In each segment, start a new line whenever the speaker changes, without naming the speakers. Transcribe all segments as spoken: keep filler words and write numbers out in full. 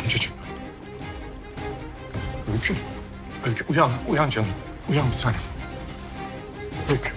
amcacığım. Öykü. Öykü uyan, uyan canım. Uyan bir tanem. Öykü.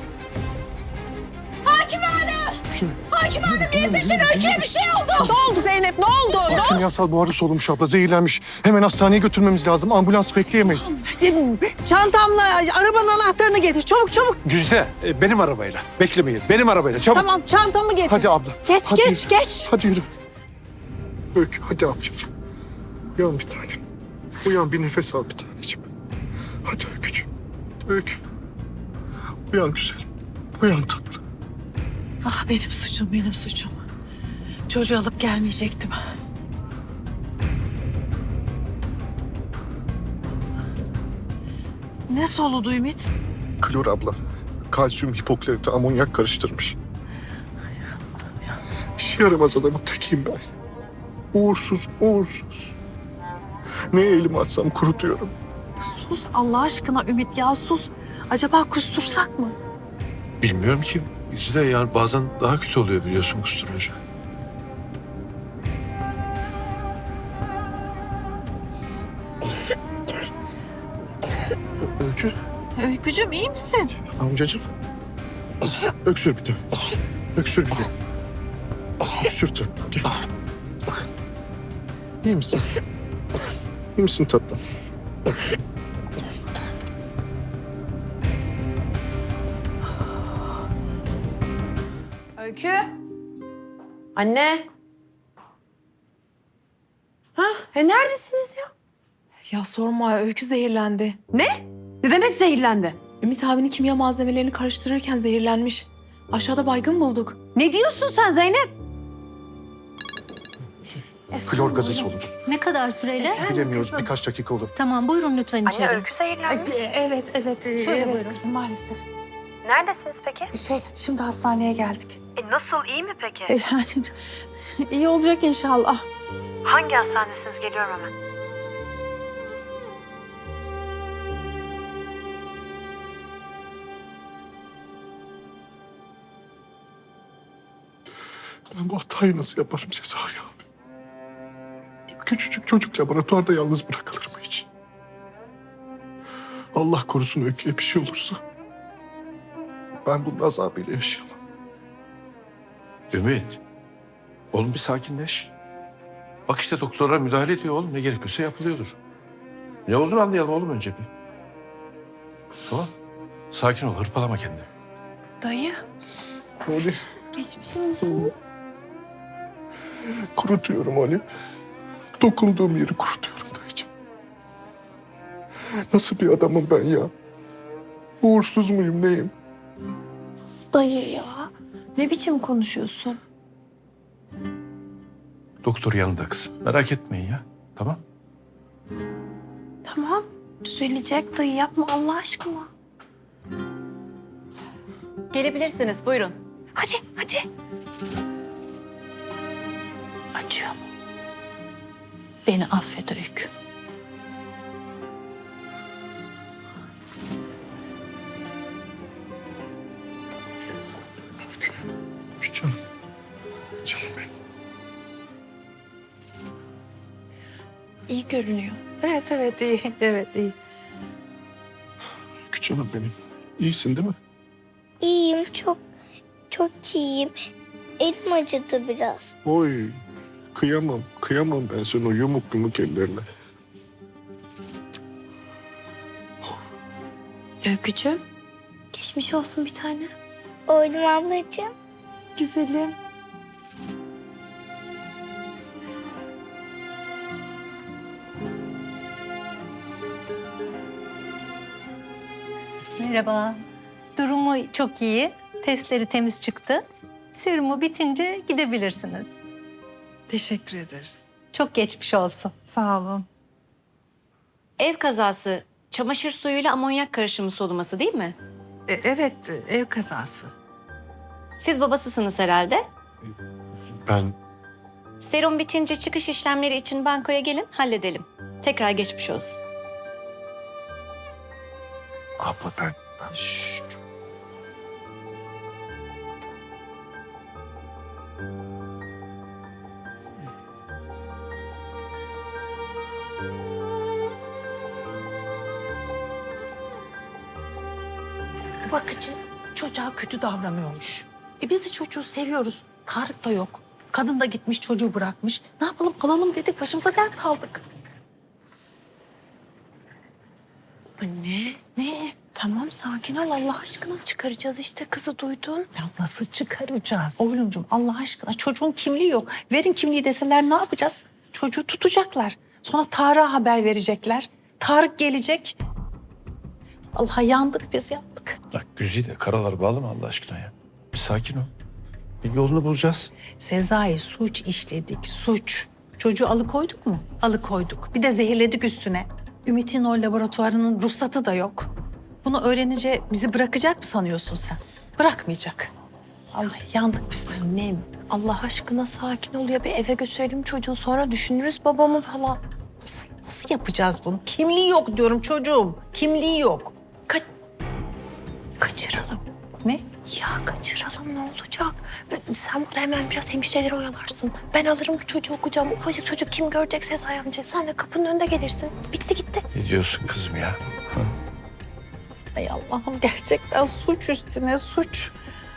Hakim Hanım! Hakim Hanım yetişin, Öykü'ye bir şey oldu.
Ne oldu Zeynep, ne oldu? Ne oldu?
Kimyasal buharı solumuş abla, zehirlenmiş. Hemen hastaneye götürmemiz lazım. Ambulans bekleyemeyiz.
Çantamla arabanın anahtarını getir. Çabuk çabuk.
Güzde, e, benim arabayla. Beklemeyin, benim arabayla. Çabuk.
Tamam, çantamı getir.
Hadi abla.
Geç,
hadi
geç,
yürü.
geç.
Hadi yürü. Öykü, hadi amcacığım. Uyan bir tanem. Uyan, bir nefes al bir taneciğim. Hadi Öykücüğüm. Öykü. Uyan güzelim. Uyan tatlı.
Ah benim suçum, benim suçum. Çocuğu alıp gelmeyecektim. Ne soludu Ümit?
Klor abla. Kalsiyum hipoklarite amonyak karıştırmış. İşe yaramaz adamın tekiyim ben. Uğursuz, uğursuz. Neye elimi atsam kurutuyorum.
Sus Allah aşkına Ümit ya, sus. Acaba kustursak mı?
Bilmiyorum ki. Güzde ya bazen daha kötü oluyor biliyorsun kusturunca.
Öykü,
Öykücüğüm iyi misin?
amcacığım. Öksür bir de. Öksür bir de. Öksür tatlım. Gel. İyi misin? İyi misin tatlım?
Öykü. Anne. Ha, e neredesiniz ya?
Ya sorma, Öykü zehirlendi.
Ne? Ne demek zehirlendi?
Ümit abinin kimya malzemelerini karıştırırken zehirlenmiş. Aşağıda baygın bulduk.
Ne diyorsun sen Zeynep?
Klor gazı soludu.
Ne kadar süreyle?
Bilemiyoruz, birkaç dakika olur.
Tamam, buyurun lütfen içeri.
E, Evet, evet. e,
Şöyle
evet
buyurun.
kızım maalesef.
Neredesiniz peki?
Şey, şimdi hastaneye geldik.
E nasıl, iyi mi peki?
E, Yani iyi olacak inşallah.
Hangi hastanesiniz? Geliyorum hemen.
Ben bu hatayı nasıl yaparım Sezai abi? Küçücük çocuk laboratuvarda yalnız bırakılır mı hiç? Allah korusun Öykü'ye bir şey olursa. Ben bunun azabıyla yaşayamam.
Ümit. Oğlum bir sakinleş. Bak işte doktorlar müdahale ediyor oğlum. Ne gerekiyorsa yapılıyordur. Ne olduğunu anlayalım oğlum önce bir. Tamam. Sakin ol, hırpalama kendini.
Dayı.
Ali,
Geçmiş olsun.
kurutuyorum Ali. Dokunduğum yeri kurutuyorum dayıcığım. Nasıl bir adamım ben ya? Uğursuz muyum, neyim?
Dayı ya. Ne biçim konuşuyorsun?
Doktor yanında kızım. Merak etmeyin ya. Tamam.
Tamam. Düzelecek dayı, yapma Allah aşkına.
Gelebilirsiniz, buyurun.
Hadi, hadi. Acıyor mu? Beni affet Öykü.
Canım. Canım benim.
İyi görünüyor. Evet, evet iyi. Evet iyi.
Canım benim. İyisin değil mi?
İyiyim, çok çok iyiyim. Elim acıdı biraz.
Oy. Kıyamam. Kıyamam ben sana o yumuk yumuk ellerine.
Öykücüğüm. Geçmiş olsun bir tane.
Oydum ablacığım.
Güzelim.
Merhaba. Durumu çok iyi. Testleri temiz çıktı. Serumu bitince gidebilirsiniz.
Teşekkür ederiz.
Çok geçmiş olsun.
Sağ olun.
Ev kazası, çamaşır suyuyla amonyak karışımı soluması değil mi?
E, evet, ev kazası.
Siz babasısınız herhalde.
Ben
Serum bitince çıkış işlemleri için bankoya gelin, halledelim. Tekrar geçmiş olsun.
abla ben ben şşş.
bakıcı çocuğa kötü davranıyormuş. E biz de çocuğu seviyoruz. Tarık da yok. Kadın da gitmiş çocuğu bırakmış. Ne yapalım alalım dedik başımıza dert kaldık.
Anne,
Ne?
tamam sakin ol Allah aşkına çıkaracağız işte kızı duydun.
Ya nasıl çıkaracağız? Oğlumcum Allah aşkına çocuğun kimliği yok. Verin kimliği deseler ne yapacağız? Çocuğu tutacaklar. Sonra Tarık'a haber verecekler. Tarık gelecek. Allah yandık biz yandık.
Bak Güzide karalar bağlama Allah aşkına ya. Bir sakin ol. Bir yolunu bulacağız.
Sezai suç işledik suç. Çocuğu alıkoyduk mu? Alıkoyduk. Bir de zehirledik üstüne. Ümit'in o laboratuvarının ruhsatı da yok. Bunu öğrenince bizi bırakacak mı sanıyorsun sen? Bırakmayacak. Allah yandık biz.
Annem Allah aşkına sakin ol ya bir eve götürelim çocuğu sonra düşünürüz babamı falan.
Nasıl, nasıl yapacağız bunu? Kimliği yok diyorum çocuğum. Kimliği yok.
Ka kaçıralım.
Ne?
Ya kaçıralım ne olacak? Sen burada hemen biraz hemşireleri oyalarsın. Ben alırım bu çocuğu kucağıma. Ufacık çocuk kim görecek Sezai amca. Sen de kapının önünde gelirsin. Bitti gitti.
Ne diyorsun kızım ya? Ha?
Ay Allah'ım gerçekten suç üstüne suç.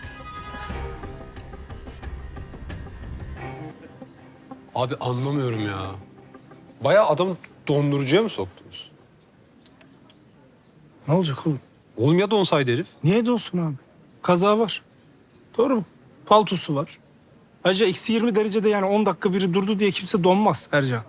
Abi anlamıyorum ya. Bayağı adamı dondurucuya mı soktunuz?
Ne olacak oğlum?
Oğlum ya donsaydı herif?
Niye donsun abi? Kaza var. Doğru mu? Paltosu var. Ayrıca eksi yirmi derecede yani on dakika biri durdu diye kimse donmaz Ercan.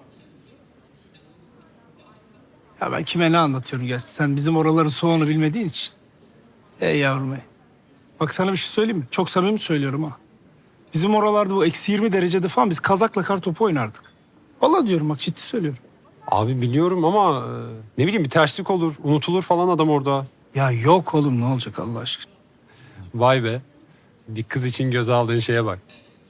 Ya ben kime ne anlatıyorum gerçi? Sen bizim oraların soğuğunu bilmediğin için. Ey yavrum ey. Bak sana bir şey söyleyeyim mi? Çok samimi söylüyorum ha. Bizim oralarda bu eksi yirmi derecede falan biz kazakla kar topu oynardık. Vallahi diyorum bak ciddi söylüyorum.
Abi biliyorum ama e, ne bileyim bir terslik olur, unutulur falan adam orada.
Ya yok oğlum ne olacak Allah aşkına?
Vay be. Bir kız için göze aldığın şeye bak.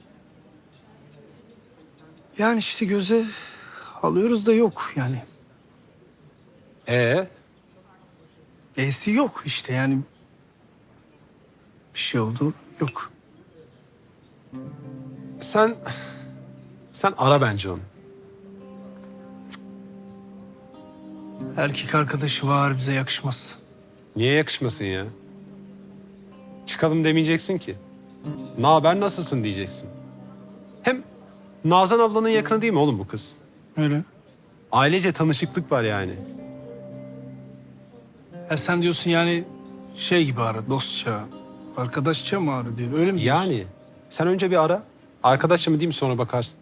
Yani işte göze alıyoruz da yok yani.
Ee,
E'si yok işte yani. Bir şey oldu yok.
sen sen ara bence onu.
Erkek arkadaşı var bize yakışmaz.
Niye yakışmasın ya? Çıkalım demeyeceksin ki. Ne haber nasılsın diyeceksin. Hem Nazan ablanın yakını değil mi oğlum bu kız?
Öyle.
Ailece tanışıklık var yani.
Ya sen diyorsun yani şey gibi ara dostça, arkadaşça mı ara diyor. Öyle mi diyorsun?
Yani sen önce bir ara. Arkadaşça mı değil mi sonra bakarsın.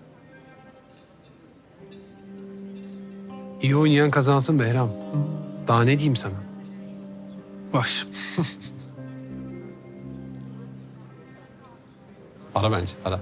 İyi oynayan kazansın Behram. Daha ne diyeyim sana?
Bak şimdi.
Ara bence ara.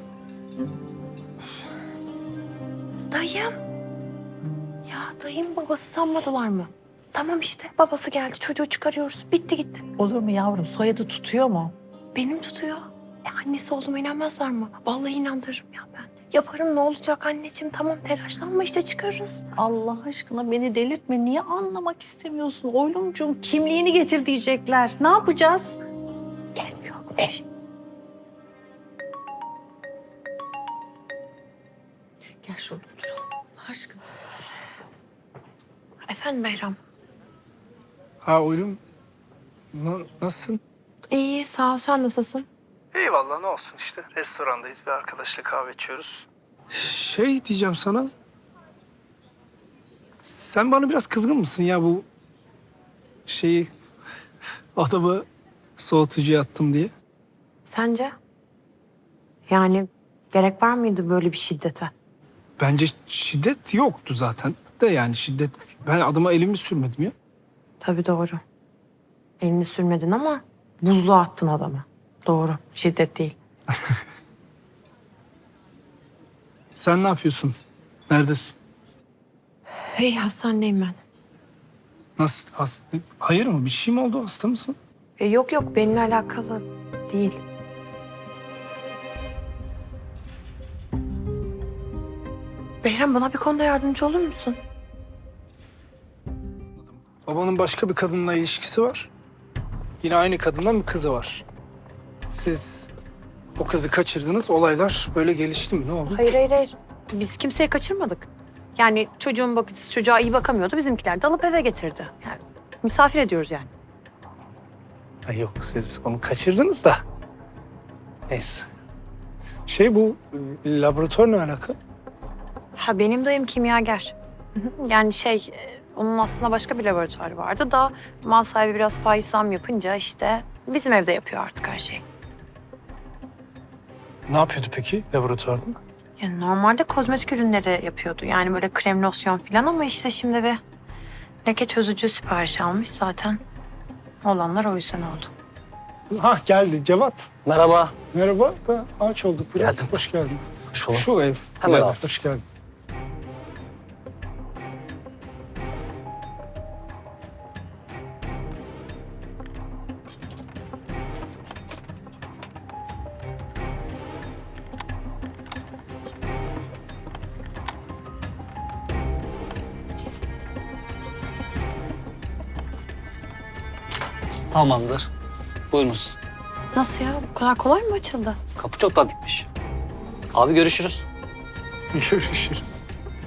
Dayım. Ya dayım babası sanmadılar mı? Tamam işte babası geldi çocuğu çıkarıyoruz. Bitti gitti.
Olur mu yavrum? Soyadı tutuyor mu?
Benim tutuyor. E, annesi olduğuma inanmazlar mı? Vallahi inandırırım ya ben. Yaparım ne olacak anneciğim tamam telaşlanma işte çıkarırız.
Allah aşkına beni delirtme. Niye anlamak istemiyorsun? Oğlumcuğum kimliğini getir diyecekler. Ne yapacağız?
Gelmiyor. Ev.
Gel şurada oturalım. Allah aşkına.
Efendim Behram.
Ha oğlum. Na- nasılsın?
İyi sağ ol sen nasılsın?
Eyvallah ne olsun işte. Restorandayız bir arkadaşla kahve içiyoruz. Şey diyeceğim sana. Sen bana biraz kızgın mısın ya bu şeyi adamı soğutucuya attım diye?
Sence? Yani gerek var mıydı böyle bir şiddete?
Bence şiddet yoktu zaten. De yani şiddet. Ben adama elimi sürmedim ya.
Tabii doğru. Elini sürmedin ama buzluğa attın adamı. Doğru. Şiddet değil.
Sen ne yapıyorsun? Neredesin?
Hey hastanedeyim ben.
Nasıl? Hasta? Hayır mı? Bir şey mi oldu? Hasta mısın?
E, yok yok benimle alakalı değil. Behram bana bir konuda yardımcı olur musun?
Babanın başka bir kadınla ilişkisi var. Yine aynı kadından bir kızı var. Siz o kızı kaçırdınız. Olaylar böyle gelişti mi? Ne oldu?
Hayır hayır hayır. Biz kimseyi kaçırmadık. Yani çocuğun bakıcısı çocuğa iyi bakamıyordu. Bizimkiler de alıp eve getirdi. Yani misafir ediyoruz yani.
Ha, yok siz onu kaçırdınız da. Neyse. Şey bu e, laboratuvar ne alaka?
Ha benim dayım kimyager. Hı hı. Yani şey e, onun aslında başka bir laboratuvarı vardı da mal sahibi biraz faiz zam yapınca işte bizim evde yapıyor artık her şeyi.
Ne yapıyordu peki laboratuvarda?
Yani normalde kozmetik ürünleri yapıyordu. Yani böyle krem, losyon falan ama işte şimdi bir leke çözücü sipariş almış zaten. Olanlar o yüzden oldu.
Ha geldi Cevat.
Merhaba.
Merhaba. Da aç olduk biraz.
Geldim.
Hoş geldin.
Hoş bulduk.
Şu ev.
Hemen
Gel,
al.
hoş geldin.
Tamamdır. Buyurunuz.
Nasıl ya? Bu kadar kolay mı açıldı?
Kapı çoktan dikmiş. Abi görüşürüz.
Görüşürüz.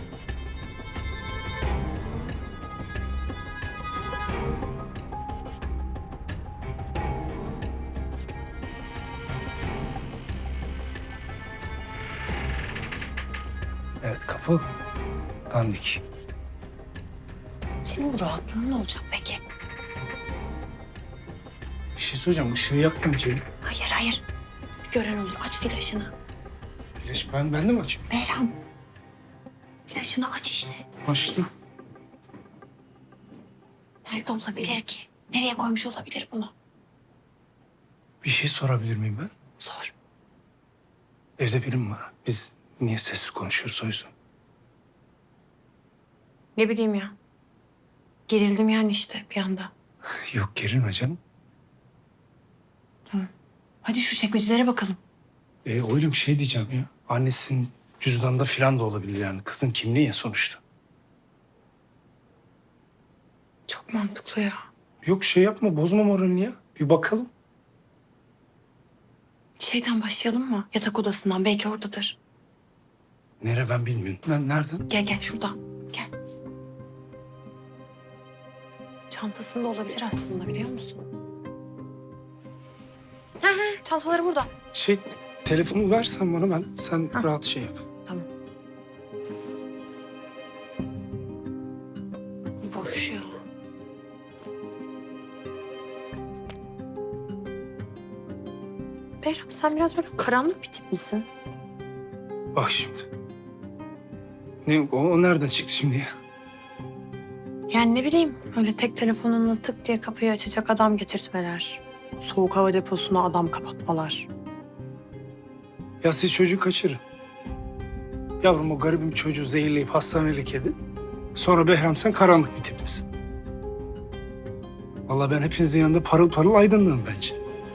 Evet kapı dandik.
Senin bu rahatlığın ne olacak peki?
Bir şey söyleyeceğim. Işığı yakma içeri.
Hayır hayır. Bir gören olur. Aç flaşını.
Flaş ben, ben de mi açayım?
Behram. Flaşını aç işte.
Açtım.
Nerede olabilir ki? Nereye koymuş olabilir bunu?
Bir şey sorabilir miyim ben?
Sor.
Evde birim var. Biz niye sessiz konuşuyoruz o yüzden?
Ne bileyim ya. Gerildim yani işte bir anda.
Yok gerilme canım.
Hadi şu çekmecelere bakalım.
E, oğlum şey diyeceğim ya. Annesinin cüzdanında filan da olabilir yani. Kızın kimliği ya sonuçta.
Çok mantıklı ya.
Yok şey yapma bozma moralini ya. Bir bakalım.
Şeyden başlayalım mı? Yatak odasından. Belki oradadır.
Nere ben bilmiyorum. Ben nereden?
Gel gel şuradan. Gel. Çantasında olabilir aslında biliyor musun? He he çantaları burada.
Şey telefonu versen bana ben sen
Ha.
rahat şey yap.
Tamam. Boş ya. Behram sen biraz böyle karanlık bir tip misin?
Bak şimdi. Ne o, o nereden çıktı şimdi ya?
Yani ne bileyim öyle tek telefonunla tık diye kapıyı açacak adam getirtmeler. Soğuk hava deposuna adam kapatmalar.
Ya siz çocuğu kaçırın. Yavrum o garibim çocuğu zehirleyip hastanelik edin. Sonra Behram sen karanlık bir tip misin? Vallahi ben hepinizin yanında parıl parıl aydınlığım bence.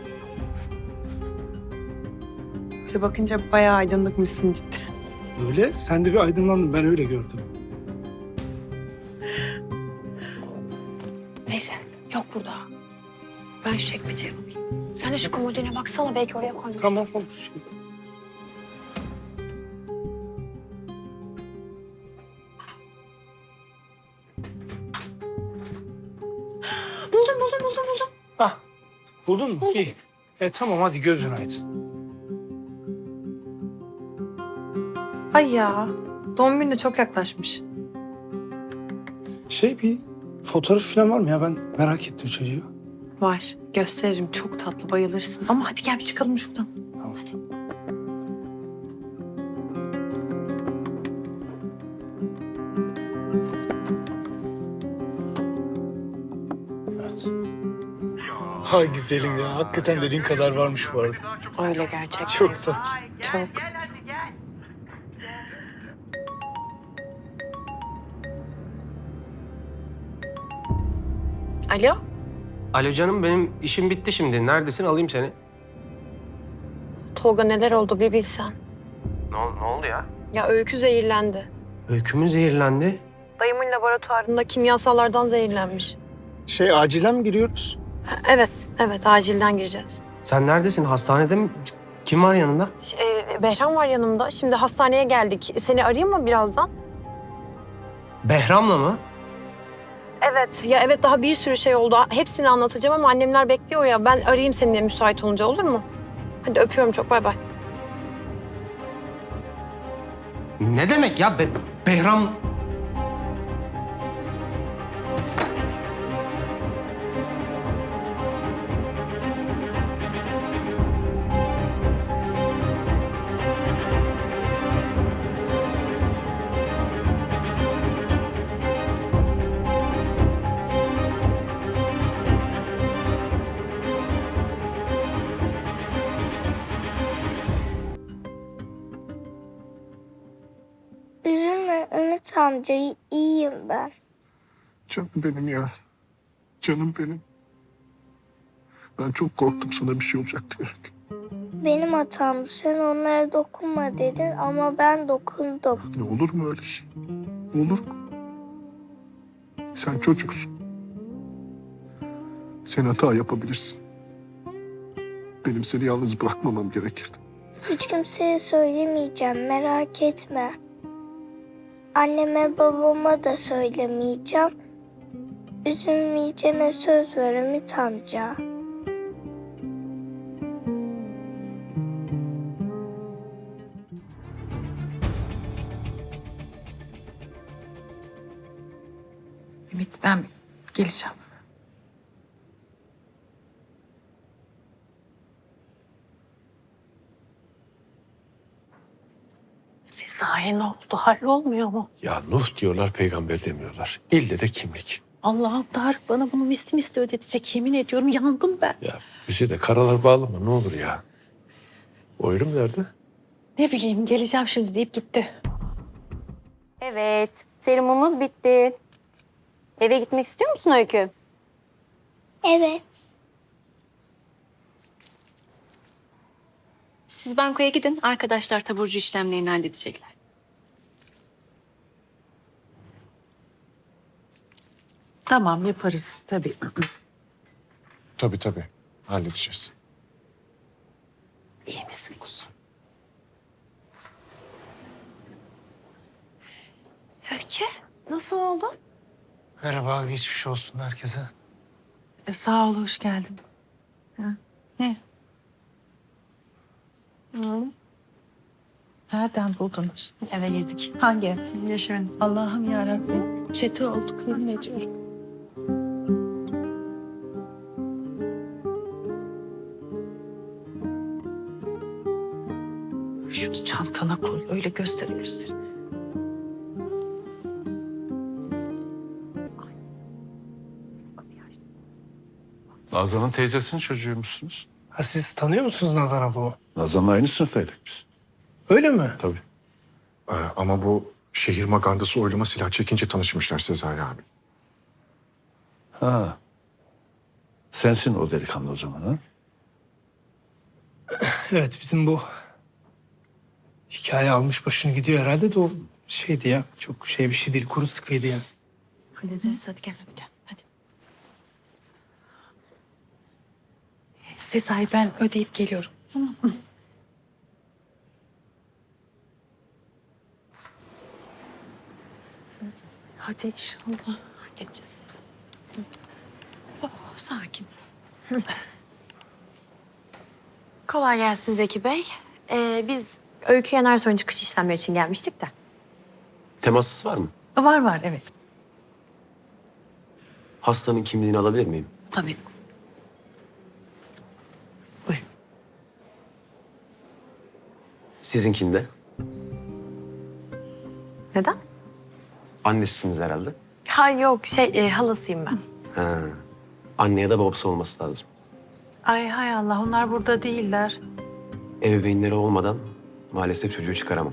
Böyle bakınca bayağı aydınlıkmışsın cidden.
Öyle sen de bir aydınlandın ben öyle gördüm.
Neyse yok burada. Ben şu çekmeceye bakayım. Sen de şu komodine baksana belki oraya koymuştur.
Tamam olur şimdi.
Buldum buldum buldum buldum.
Ah buldun mu? İyi. E tamam hadi gözün aydın.
Ay ya doğum günü de çok yaklaşmış.
Şey bir fotoğraf falan var mı ya ben merak ettim çocuğu.
Var gösteririm çok tatlı bayılırsın. Ama hadi gel bir çıkalım şuradan.
Tamam.
Hadi.
Evet. Ha güzelim ya hakikaten dediğin kadar varmış bu arada.
Öyle gerçekten.
Çok tatlı.
Çok. Alo?
Alo canım benim işim bitti şimdi. Neredesin alayım seni.
Tolga neler oldu bir bilsen.
Ne, ne oldu ya?
Ya Öykü zehirlendi.
Öykü mü zehirlendi?
Dayımın laboratuvarında kimyasallardan zehirlenmiş.
Şey acilen mi giriyoruz?
Ha, evet, evet acilden gireceğiz.
Sen neredesin? Hastanede mi? Kim var yanında?
Ee, Behram var yanımda. Şimdi hastaneye geldik. Seni arayayım mı birazdan?
Behram'la mı?
Evet.
Evet. Ya evet daha bir sürü şey oldu. Hepsini anlatacağım ama annemler bekliyor ya. Ben arayayım seninle müsait olunca olur mu? Hadi öpüyorum çok bay bay.
Ne demek ya? Be- Behram...
Üzülme Ümit amca, iyi- iyiyim ben.
Canım benim ya. Canım benim. Ben çok korktum sana bir şey olacak diye.
Benim hatamdı. Sen onlara dokunma dedin ama ben dokundum.
Ne olur mu öyle şey? Olur mu? Sen çocuksun. Sen hata yapabilirsin. Benim seni yalnız bırakmamam gerekirdi.
Hiç kimseye söylemeyeceğim, merak etme. Anneme babama da söylemeyeceğim. Üzülmeyeceğine söz ver Ümit amca.
Ümit ben geleceğim.
Sezai ne oldu? Hallolmuyor mu?
Ya Nuh diyorlar, peygamber demiyorlar. İlle de kimlik.
Allah'ım Tarık bana bunu misli misli ödetecek. Yemin ediyorum yandım ben.
Ya bizi de karalar bağlama ne olur ya. Oylum nerede?
Ne bileyim geleceğim şimdi deyip gitti.
Evet, serumumuz bitti. Eve gitmek istiyor musun Öykü?
Evet.
Siz bankoya gidin, arkadaşlar taburcu işlemlerini halledecekler.
Tamam yaparız tabii.
Tabii tabii. Halledeceğiz.
İyi misin kuzum?
Öykü nasıl oldu?
Merhaba, geçmiş olsun herkese.
E, sağ ol hoş geldin. Ha, ne? Hı. Nereden buldunuz?
Eve girdik.
Hangi ev? Yaşarın. Allah'ım yarabbim. Çete olduk yemin ediyorum. Şunu çantana koy. Öyle göster göster.
Nazan'ın teyzesinin çocuğuymuşsunuz.
Ha, siz tanıyor musunuz Nazan ablamı?
Nazan'la aynı sınıftaydık biz.
Öyle mi?
Tabii.
Ee, ama bu şehir magandası oyluma silah çekince tanışmışlar Sezai abi.
Ha. Sensin o delikanlı o zaman ha?
Evet, bizim bu hikaye almış başını gidiyor herhalde de o şeydi ya. Çok şey bir şey değil, kuru sıkıydı yani.
Hallederiz hadi gel hadi gel. Hadi. Sezai ben ödeyip geliyorum. Tamam mı? Hadi inşallah. Geçeceğiz. Oh, sakin.
Kolay gelsin Zeki Bey. Ee, biz Öykü Yenersoy'un çıkış işlemleri için gelmiştik de.
Temassız var mı?
Var var evet.
Hastanın kimliğini alabilir miyim?
Tabii. Buyurun.
Sizinkinde.
Neden?
Annesiniz herhalde.
Ha yok şey e, halasıyım ben.
Ha. Anne ya da babası olması lazım.
Ay hay Allah onlar burada değiller.
Ebeveynleri olmadan maalesef çocuğu çıkaramam.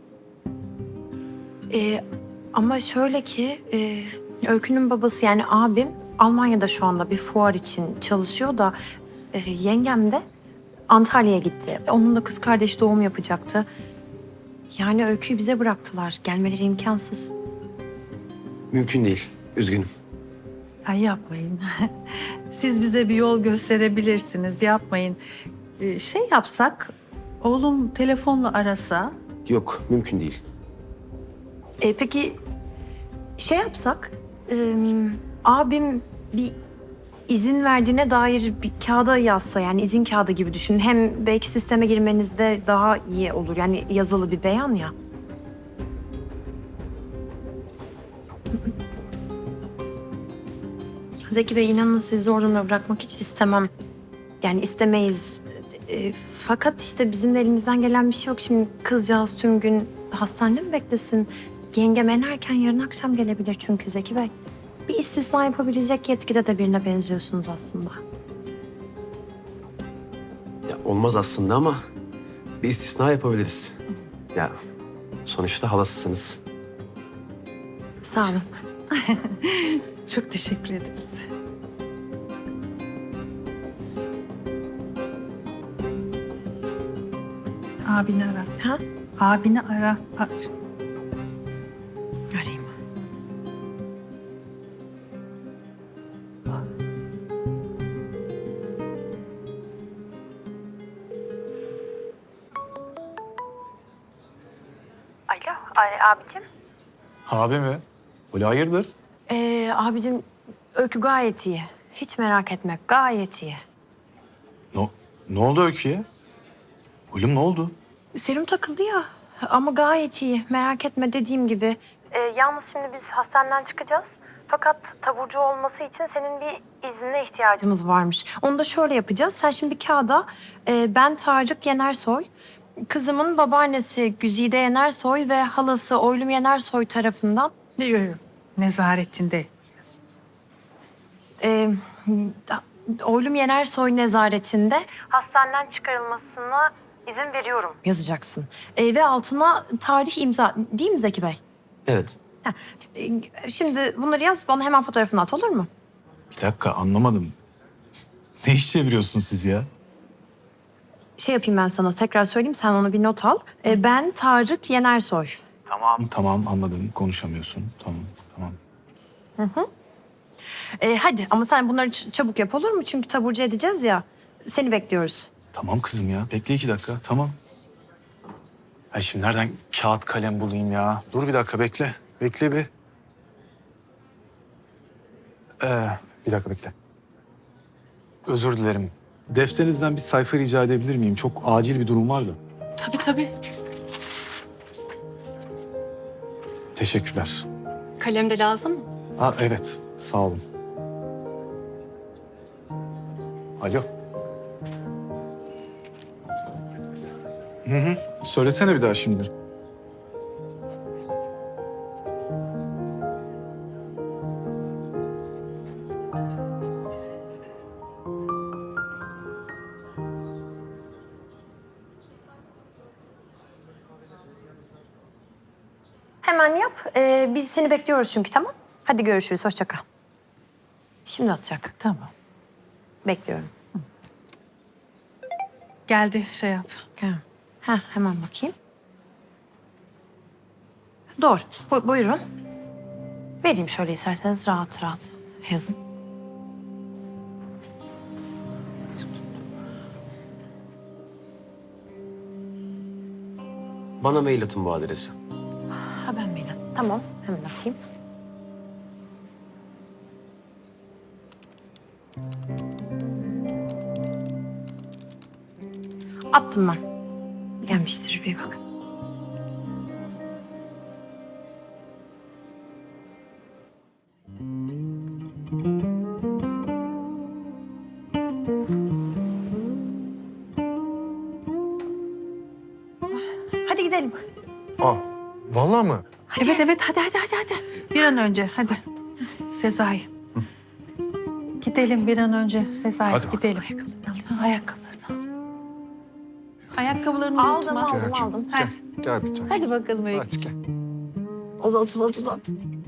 Ee, ama şöyle ki e, Öykü'nün babası yani abim Almanya'da şu anda bir fuar için çalışıyor da e, yengem de Antalya'ya gitti. Onun da kız kardeşi doğum yapacaktı. Yani Öykü'yü bize bıraktılar. Gelmeleri imkansız.
Mümkün değil. Üzgünüm.
Ay yapmayın. Siz bize bir yol gösterebilirsiniz. Yapmayın. Ee, şey yapsak, oğlum telefonla arasa.
Yok, mümkün değil.
E, peki şey yapsak, e, abim bir izin verdiğine dair bir kağıda yazsa, yani izin kağıdı gibi düşün. Hem belki sisteme girmenizde daha iyi olur. Yani yazılı bir beyan ya. Zeki Bey, inanın sizi zor durumda bırakmak hiç istemem. Yani istemeyiz. E, fakat işte bizim de elimizden gelen bir şey yok. Şimdi kızcağız tüm gün hastanede mi beklesin? Yengem en erken yarın akşam gelebilir çünkü Zeki Bey. Bir istisna yapabilecek yetkide de birine benziyorsunuz aslında.
Ya olmaz aslında ama bir istisna yapabiliriz. Ya sonuçta halasısınız.
Sağ olun.
Çok teşekkür ederiz. Abini ara.
Ha?
Abini ara. A-
Arayayım. Alo, ay, abicim.
Abi mi? Öyle hayırdır?
Ee, abicim, Öykü gayet iyi. Hiç merak etme, gayet iyi.
Ne, ne oldu Öykü'ye? Oğlum ne oldu?
Serum takıldı ya ama gayet iyi. Merak etme, dediğim gibi. Ee, yalnız şimdi biz hastaneden çıkacağız. Fakat taburcu olması için senin bir iznine ihtiyacımız varmış. Onu da şöyle yapacağız. Sen şimdi bir kağıda e, ben Tarık Yenersoy, kızımın babaannesi Güzide Yenersoy ve halası Oylum Yenersoy tarafından
Yok yok. Nezaretinde.
e, Oylum Yenersoy nezaretinde hastaneden çıkarılmasına izin veriyorum yazacaksın. E, ve altına tarih imza, değil mi Zeki Bey?
Evet.
Heh, e, Şimdi bunları yaz, bana hemen fotoğrafını at, olur mu?
Bir dakika anlamadım. Ne iş çeviriyorsun siz ya?
Şey yapayım ben sana, tekrar söyleyeyim, sen onu bir not al. E, ben Tarık Yenersoy.
Tamam. Tamam anladım. Konuşamıyorsun. Tamam tamam.
E, hadi ama sen bunları ç- çabuk yap, olur mu? Çünkü taburcu edeceğiz ya. Seni bekliyoruz.
Tamam kızım ya. Bekle iki dakika. Tamam. Ay şimdi nereden kağıt kalem bulayım ya? Dur bir dakika bekle. Bekle bir. Ee, bir dakika bekle. Özür dilerim. Defterinizden bir sayfa rica edebilir miyim? Çok acil bir durum var da.
Tabii tabii.
Teşekkürler.
Kalem de lazım mı?
Ha evet. Sağ olun. Alo. Hı hı. Söylesene bir daha şimdi.
Hemen yap. E, biz seni bekliyoruz çünkü, tamam? Hadi görüşürüz, hoşça kal. Şimdi atacak.
Tamam.
Bekliyorum.
Geldi şey yap.
Gel. Heh, hemen bakayım. Doğru. Bu- buyurun. Vereyim şöyle isterseniz, rahat rahat yazın.
Bana mail atın bu adrese.
Ha, ben mail at- Tamam, hemen atayım. Attım ben. Gelmiştir, bir bak. Hadi gidelim.
Aa, vallahi mı?
Evet evet hadi hadi hadi hadi. Bir an önce hadi. Sezai. Gidelim bir an önce Sezai,
Hadi
gidelim. Ayakkabılarını al. Ayakkabılarını al. Ayakkabılarını
Aldım,
unutma.
aldım,
Gel canım,
aldım.
Gel,
Heh.
gel bir tane.
Hadi bakalım
Hadi
Öykücüğüm.
gel.
Uzat, uzat, uzat.